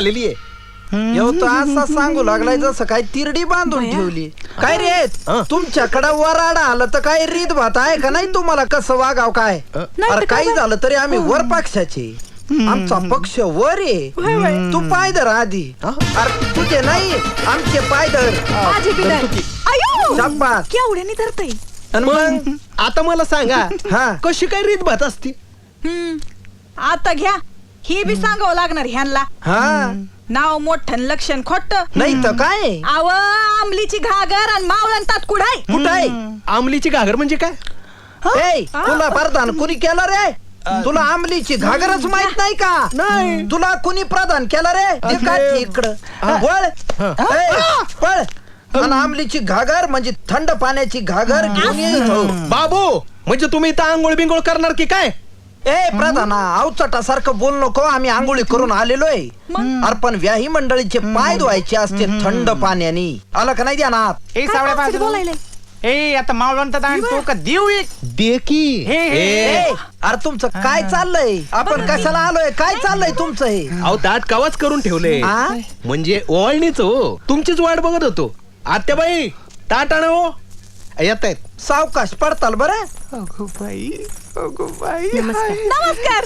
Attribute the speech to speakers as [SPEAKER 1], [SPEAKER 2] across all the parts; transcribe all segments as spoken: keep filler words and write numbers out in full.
[SPEAKER 1] झालेली आहे.
[SPEAKER 2] येऊ तो असा सांगू लागलाय जसं काय तिरडी बांधून ठेवली. काय रे तुमच्याकडे वराडा आलं तर काय रीत भात आहे का नाही तुम्हाला? कसं वागाव काय? अरे काही झालं तरी आम्ही वर पक्षाचे, आमचा पक्ष वर आहे. तू पायदर आधी. अरे तुझे नाही आमचे पायदर.
[SPEAKER 3] केवढ्याने धरतय.
[SPEAKER 1] मग आता मला सांगा
[SPEAKER 2] हा
[SPEAKER 1] कशी काय रीत भात असती?
[SPEAKER 3] आता घ्या हे बी सांगावं लागणार ह्यांना.
[SPEAKER 2] हा
[SPEAKER 3] नाव मोठं लक्षण खोट
[SPEAKER 2] नाही तर काय?
[SPEAKER 3] आव आमलीची घागर आणि मावळण तात कुडाय.
[SPEAKER 2] कुठाय
[SPEAKER 1] आमलीची घागर म्हणजे काय?
[SPEAKER 2] ए तुला प्रधान कुणी केलं रे? तुला आमलीची घागरच माहित नाही का?
[SPEAKER 1] नाही.
[SPEAKER 2] तुला कुणी प्रदान केलं रे? ते काय इकडं वळ ए, पळ. आणि आमलीची घागर म्हणजे थंड पाण्याची घागर घेऊन ये इथं.
[SPEAKER 1] बाबू म्हणजे तुम्ही इथं आंघोळ बिंगोळ करणार की काय?
[SPEAKER 2] ए प्रधाना अवचटासारखं बोल नको. आम्ही आंघोळी करून आलेलोय. अर्पण व्याही मंडळीचे पाय धुवायचे असते थंड पाण्याने. आलं का नाही ध्यानात?
[SPEAKER 4] ए सावळ्या बाजू
[SPEAKER 3] बोलायला
[SPEAKER 4] ए आता मावळण तर आणतो का देऊ एक
[SPEAKER 1] दे की.
[SPEAKER 4] हे हे
[SPEAKER 2] ए, अरे तुमचं काय चाललंय? आपण कशाला आलोय? काय चाललंय तुमचं हे?
[SPEAKER 1] अहो ताट कावाच करून ठेवले
[SPEAKER 2] आ?
[SPEAKER 1] म्हणजे ओवाळणीच हो. तुमचीच वाट बघत होतो. आत्याबाई ताट आण हो. येत आहेत.
[SPEAKER 2] सावकाश पडताल बरं.
[SPEAKER 4] अगो बाई अगो बाई
[SPEAKER 3] नमस्कार.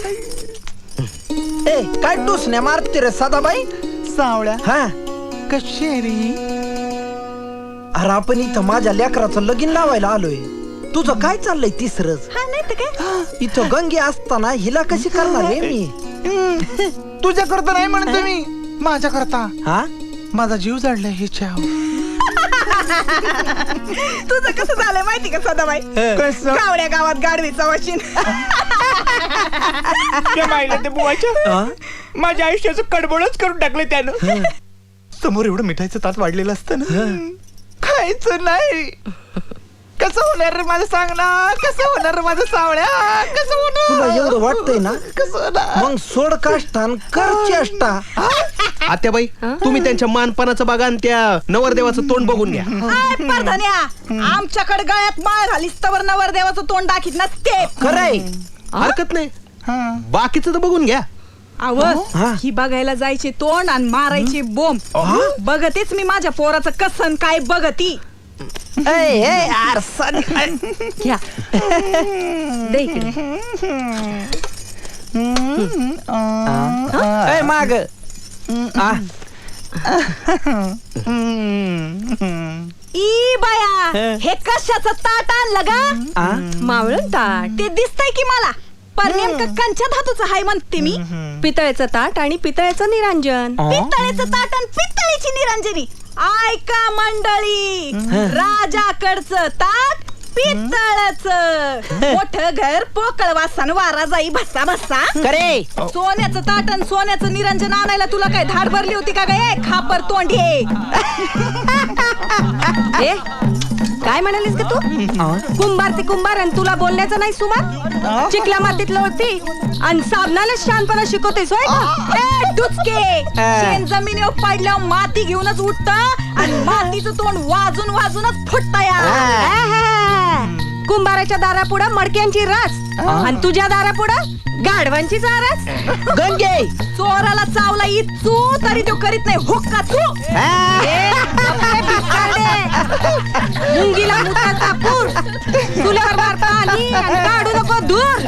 [SPEAKER 2] ए काय टुसण्या मारते रे सदाबाई?
[SPEAKER 4] सावळ्या
[SPEAKER 2] हा
[SPEAKER 4] कशी रे?
[SPEAKER 2] अरे आपण इथं माझ्या लेकराचं लगीन लावायला आलोय. तुझं काय चाललंय तिसरच?
[SPEAKER 3] हा नाही तर काय.
[SPEAKER 2] इथं गंगे असताना हिला कशी करणार रे मी?
[SPEAKER 4] तुझ्या करता नाही म्हणतो मी, माझ्या करता.
[SPEAKER 2] हा
[SPEAKER 4] माझा जीव जाडलाय हिच्या.
[SPEAKER 3] तुझं कसं झालंय माहिती का सदाबाई?
[SPEAKER 4] कसं?
[SPEAKER 3] कावड्या गावात गाडवीचा वशीन.
[SPEAKER 4] त्या बाईला ते बुवाच्या
[SPEAKER 2] हा?
[SPEAKER 4] माझ्या आयुष्याचं कडबडच करून टाकलं त्यानं. समोर एवढं मिठाईचं ताट वाढलेलं असतं ना, खायचं नाही. कसं होणार रे माझं सांग ना? कसं होणार रे माझं सावळ्या? कसं
[SPEAKER 2] तुला
[SPEAKER 4] होणार?
[SPEAKER 2] एवढं वाटतंय ना?
[SPEAKER 4] कसं होणार?
[SPEAKER 2] मग सोड काष्टान कर चेष्टा.
[SPEAKER 1] आत्याबाई तुम्ही त्यांच्या मानपणाचं बघा आणि त्या नवरदेवाचं तोंड बघून घ्या.
[SPEAKER 3] आय परधन्या, आमच्याकडे गळ्यात माळ घालीस तवर नवरदेवाचं तोंड दाखीत नसते.
[SPEAKER 2] खरंय.
[SPEAKER 1] हरकत नाही,
[SPEAKER 4] हा.
[SPEAKER 1] बाकीचं तर बघून घ्या.
[SPEAKER 3] आव
[SPEAKER 2] हा.
[SPEAKER 3] ही बघायला जायची तोंड आणि मारायची बोंब. बघतेच मी माझ्या पोराचं कसन काय बघती.
[SPEAKER 2] ए ए यार सनी.
[SPEAKER 3] घ्या दे इकडे.
[SPEAKER 2] ए माग आ,
[SPEAKER 3] ई बाया हे कशाचं ताट आणलं गा?
[SPEAKER 2] आ?
[SPEAKER 3] मावळण ताट ते दिसतंय की मला. पण नेमकं कंच्या धातूचं हाय म्हणते मी.
[SPEAKER 5] पितळेचं ताट आणि पितळेचं निरांजन.
[SPEAKER 3] पितळेचं ताट आणि पितळेची निरांजनी. ऐका मंडळी, राजाकडचं ताट पितळचं. मोठं घर पोकळ वासन वारा जाई भस्सा भस्सा.
[SPEAKER 2] करे
[SPEAKER 3] सोन्याचं ताट आणि सोन्याचं निरंजन आणायला तुला काय धाड भरली होती का गे खापर तोंडी?
[SPEAKER 5] ए, काय म्हणालीस का तू? कुंभार ते कुंभार आणि तुला बोलण्याचं नाही सुमार? चिकल्या मातीत लोळती आणि साबणाला शहाणपणा शिकवतेस होय का?
[SPEAKER 3] ए, डुचके शेण जमिनीवर पडल्यावर माती घेऊनच उठत आणि मातीचं तोंड वाजून वाजूनच फुटत या.
[SPEAKER 5] कुंभाराच्या दारापुढं मडक्यांची रास आणि तुझ्या दारापुढं गाढवांची चारस.
[SPEAKER 2] गंगे
[SPEAKER 3] चोराला चावला इचू तरी तो करीत नाही हुक्का चू.
[SPEAKER 5] ए, गप्पे भिकारडे. मुंगीला मुताचा पूर तुल्यावर मार पाणी आणि काढू नको दूर.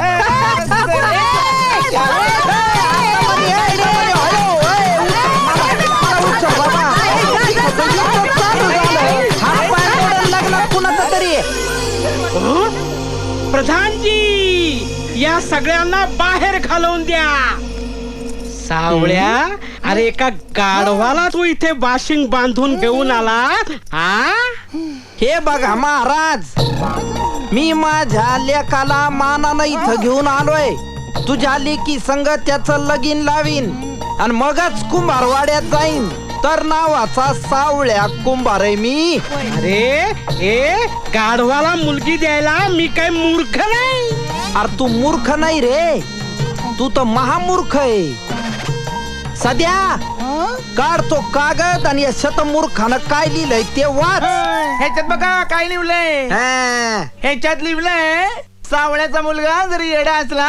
[SPEAKER 4] प्रधानजी या सगळ्यांना बाहेर घालवून द्या. सावळ्या, अरे एका गाढवाला तू इथे बाशिंग बांधून घेऊन आला. हा
[SPEAKER 2] हे बघा महाराज, मी माझ्या लेकाला मानानं इथं घेऊन आलोय. तुझ्या लेकी संग त्याचं लगीन लावीन आणि मगच कुंभारवाड्यात जाईन. तर नावाचा सावळ्या कुंभार आहे मी.
[SPEAKER 4] अरे ए गाढवाला मुलगी द्यायला मी काय मूर्ख नाही.
[SPEAKER 2] अरे तू मूर्ख नाही रे, तू तर महामूर्ख आहे. सध्या काढतो कागद आणि या शतमूर्खानं काय लिहिलंय ते वाच.
[SPEAKER 4] ह्याच्यात बघा काय लिहिलंय.
[SPEAKER 2] हा.
[SPEAKER 4] ह्याच्यात लिहिलंय, सावळ्याचा मुलगा जरी येडा असला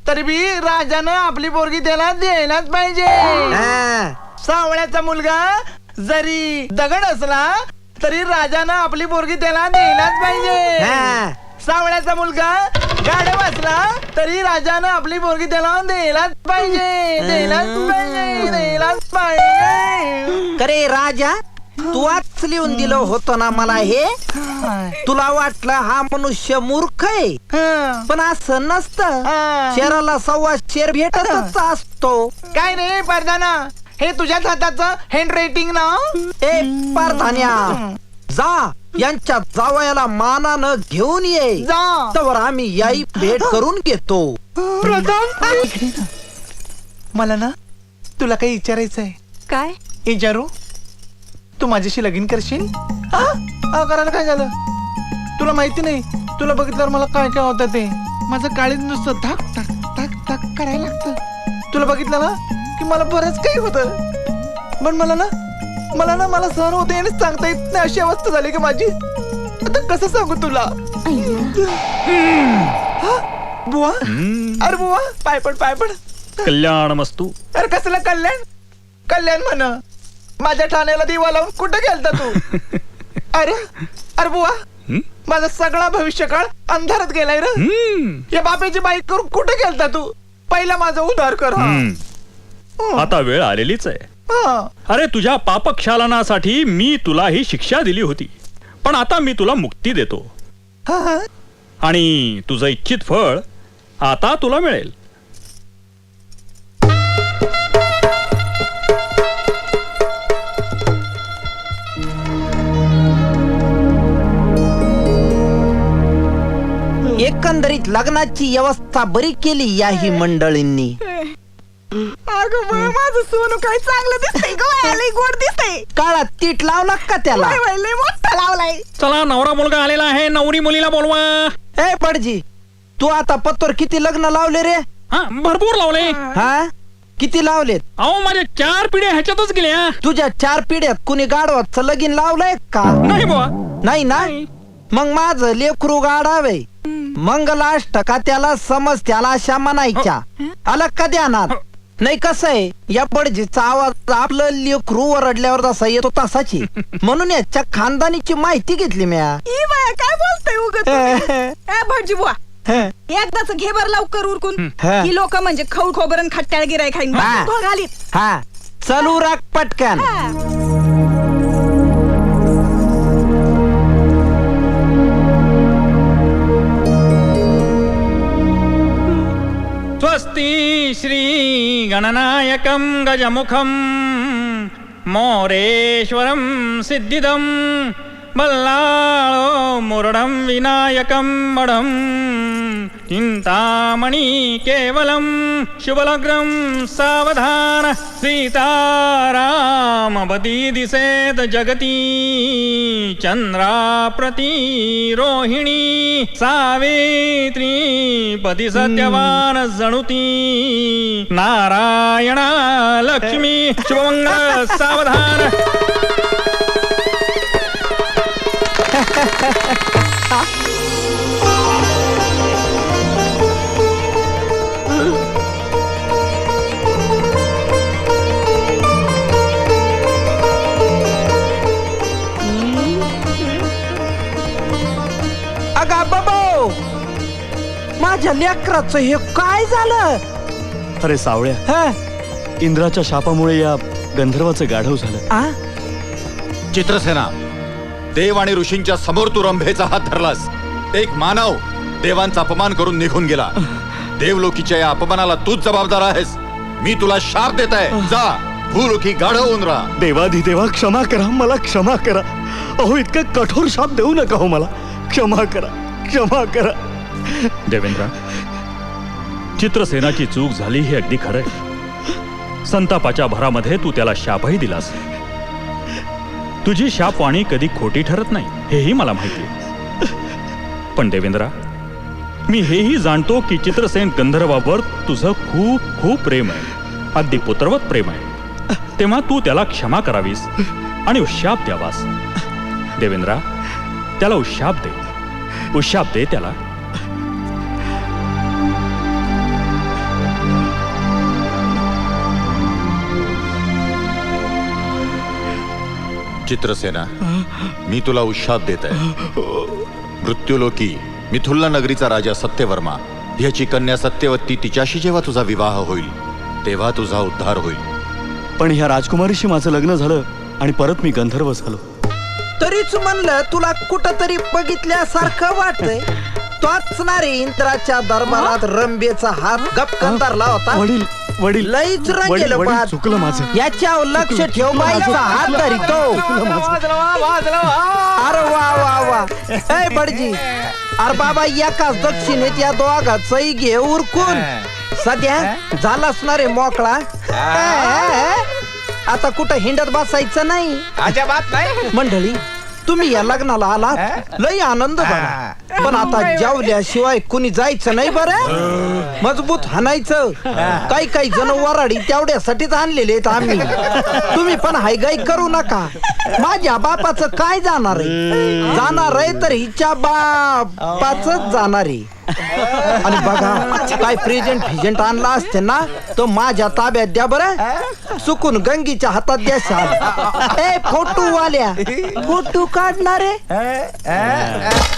[SPEAKER 4] तरी बी राजानं आपली पोरगी त्याला द्यायलाच पाहिजे.
[SPEAKER 2] हा.
[SPEAKER 4] सावळ्याचा मुलगा जरी दगड असला तरी राजानं आपली पोरगी त्याला द्यायलाच पाहिजे.
[SPEAKER 2] हा.
[SPEAKER 4] सावळ्याचा मुलगा गाढव असला तरी राजानं आपली पोरगी त्याला द्यायलाच पाहिजे. द्यायलाच पाहिजे. द्यायलाच पाहिजे.
[SPEAKER 2] अरे राजा, तू आज लिहून दिलं होतं ना मला हे. तुला वाटलं हा मनुष्य मूर्ख आहे,
[SPEAKER 4] हं.
[SPEAKER 2] पण असं नसतं.
[SPEAKER 4] हा.
[SPEAKER 2] शेराला सव्वा शेर भेटतच असतो.
[SPEAKER 4] काय रे परदाना, हे तुझ्याच हाताचं हँड रायटिंग ना?
[SPEAKER 2] ए पारधान्या, जा यांच्या जावयाला मानानं घेऊन ये.
[SPEAKER 4] जा.
[SPEAKER 2] तर आम्ही याई भेट करून घेतो.
[SPEAKER 4] प्रधान, मला ना तुला काही विचारायचंय.
[SPEAKER 5] काय
[SPEAKER 4] विचारू? तू माझ्याशी लगीन करशील? हा? हा, करायला काय झालं? तुला माहिती नाही, तुला बघितल्यावर मला काय काय होतं ते. माझं काळीज नुसतं धाक धाक धाक धाक करायला लागतं. तुला बघितलं ना की मला बरंच काही होतं, पण मला ना मला ना मला सहन होते आणि सांगता येत नाही अशी अवस्था झाली की माझी. आता कसं सांगू तुला? हा? बुवा, अरे बुवा, पाय पड पाय पड.
[SPEAKER 6] कल्याण मस्तू.
[SPEAKER 4] अरे कसलं कल्याण? कल्याण म्हण. माझ्या ठाण्याला दिवा लावून कुठं गेलता तू? अरे अरे बुवा, माझा सगळा भविष्यकाळ अंधारात गेलाय रे. या बापेची बाईक करून कुठे गेलता तू? पहिला माझा उद्धार कर. हा.
[SPEAKER 6] हम्म. आता वेळ आलेलीच आहे.
[SPEAKER 4] हा.
[SPEAKER 6] अरे तुझ्या पापक्षालनासाठी मी तुला ही शिक्षा दिली होती, पण आता मी तुला मुक्ती देतो
[SPEAKER 4] हा.
[SPEAKER 6] आणि तुझं इच्छित फळ आता तुला मिळेल.
[SPEAKER 2] एकंदरीत लग्नाची व्यवस्था बरी केली याही मंडळींनी.
[SPEAKER 3] अगं बा, माझं सोनू काय चांगलं दिसतंय ग. लय गोड दिसतंय.
[SPEAKER 2] काळात तीट लावला का त्याला?
[SPEAKER 3] वय, वय, लय मोठा लावलाय.
[SPEAKER 6] चला, नवरा मुलगा आलेला आहे, नवरी मुलीला बोलवा.
[SPEAKER 2] ए पडजी, तू आता पत्तर किती लग्न लावले रे?
[SPEAKER 6] हा, भरपूर लावले.
[SPEAKER 2] हा, किती लावलेत?
[SPEAKER 6] अहो माझ्या चार पिढ्या ह्याच्यातच गेल्या.
[SPEAKER 2] तुझ्या चार पिढ्यात कुणी गाढवाचं लगीन लावलंय का?
[SPEAKER 6] नाही बुवा.
[SPEAKER 2] नाही ना? मग माझं लेकरू गाडावे मंगलाष्टका त्याला समज त्याला अशा म्हणायच्या. आला का ध्यानात? नाही कसं आहे, या पडजीचा आवाज आपलं लेकरू ओरडल्यावर जसा येतो तसाची. म्हणून याच्या खानदानीची माहिती घेतली म्या.
[SPEAKER 3] ई बाया, काय बोलतोय उगत तुम्ही? ए भटजी बुवा, एकदाच घे बर लवकर उरकून.
[SPEAKER 2] हा.
[SPEAKER 3] ही लोक म्हणजे खऊ खोबरन खट्ट्याळ गिराय खाईन
[SPEAKER 2] हा.
[SPEAKER 3] तो घालीत.
[SPEAKER 2] हा, चलू राख पटकन.
[SPEAKER 3] हा.
[SPEAKER 6] स्वस्ति श्री गणनायकं गजमुखं मोरेश्वरं सिद्धिदं बल्लाळो मुरडं विनायकं मडं चिंतामणि केवलं शुभलग्नं सावधान सीतारामपति दिसेत जगती चंद्राप्रति रोहिणी सावित्री पति सत्यवान जणुती नारायणा लक्ष्मी शुभमंगल सावधान.
[SPEAKER 2] अगा बाबा, माझ्या लेकराचं हे काय झालं?
[SPEAKER 7] अरे सावळ्या,
[SPEAKER 2] हा?
[SPEAKER 7] इंद्राच्या शापामुळे या गंधर्वाचं गाढव झालं.
[SPEAKER 2] आ?
[SPEAKER 8] चित्रसेना, देव आणि ऋषींच्या समोर तू रंभेचा हात धरलास. एक मानव देवांचा अपमान करून निघून गेला. देवलोकीच्या या अपमानाला तूच जबाबदार आहेस. मी तुला शाप देत आहे. जा, भूलोकी गाढव होऊन राहा.
[SPEAKER 7] देवाधिदेवा क्षमा करा, मला क्षमा करा. अहो, इतका कठोर शाप देऊ नका हो मला. क्षमा करा, क्षमा करा.
[SPEAKER 6] देवेंद्र, चित्रसेनाची चूक झाली हे अगदी खरंय. संतापाच्या भरामध्ये तू त्याला शापही दिलास. तुझी शापवाणी कधी खोटी ठरत नाही हेही मला माहिती. पण देवेंद्रा, मी हेही जाणतो की चित्रसेन गंधर्वावर तुझं खूप खूप प्रेम आहे, अगदी पुत्रवत प्रेम आहे. तेव्हा तू त्याला क्षमा करावीस आणि उशाप द्यावास. देवेंद्रा, त्याला उशाप दे, उशाप दे त्याला.
[SPEAKER 8] चित्रसेना, मी तुला उशाप देत आहे. मृत्यूलोकी मिथुल्ला नगरीचा राजा सत्यवर्मा ह्याची कन्या सत्यवती तिच्याशी जेव्हा तुझा विवाह होईल तेव्हा तुझा उद्धार होईल.
[SPEAKER 7] पण ह्या राजकुमारीशी माझं लग्न झालं आणि परत मी गंधर्व झालो.
[SPEAKER 2] तरीच म्हणलं तुला कुठं तरी बघितल्यासारखं वाटतंय. तोच ना रे इंद्राच्या दरबारात रंबेचा हात गपकन धरला होता.
[SPEAKER 7] वडील वडील
[SPEAKER 2] लईच रंगेल
[SPEAKER 7] वडील, वडील,
[SPEAKER 2] पाहत.
[SPEAKER 7] चुकलं माझं.
[SPEAKER 2] याच्यावर लक्ष ठेव, बाईचा हात धरितो. अरे वा वा वा. ए बडजी, अरे बाबा एकाच दक्षिणेत या दोघांचंही घे उरकून. सध्या झालाच ना रे मोकळा. आता कुठं हिंडत बसायचं नाही.
[SPEAKER 4] अजिबात नाही.
[SPEAKER 2] मंडळी, तुम्ही या लग्नाला आलात, लई आनंद झाला. पण आता जेवल्याशिवाय कुणी जायचं नाही बरं. मजबूत हाणायचं. काही काही जण वराडी तेवढ्यासाठीच आणलेले आहेत आम्ही. तुम्ही पण हायगाई करू नका. माझ्या बापाचं काय जाणार आहे? जाणार आहे तर हिच्या बापाच जाणार आहे. आणि बघा, काय प्रेझेंट फिजेंट आणला असते ना तर माझ्या ताब्यात द्या बरं. चुकून गंगीच्या हातात द्या. ए फोटो वाल्या, फोटो काढणारे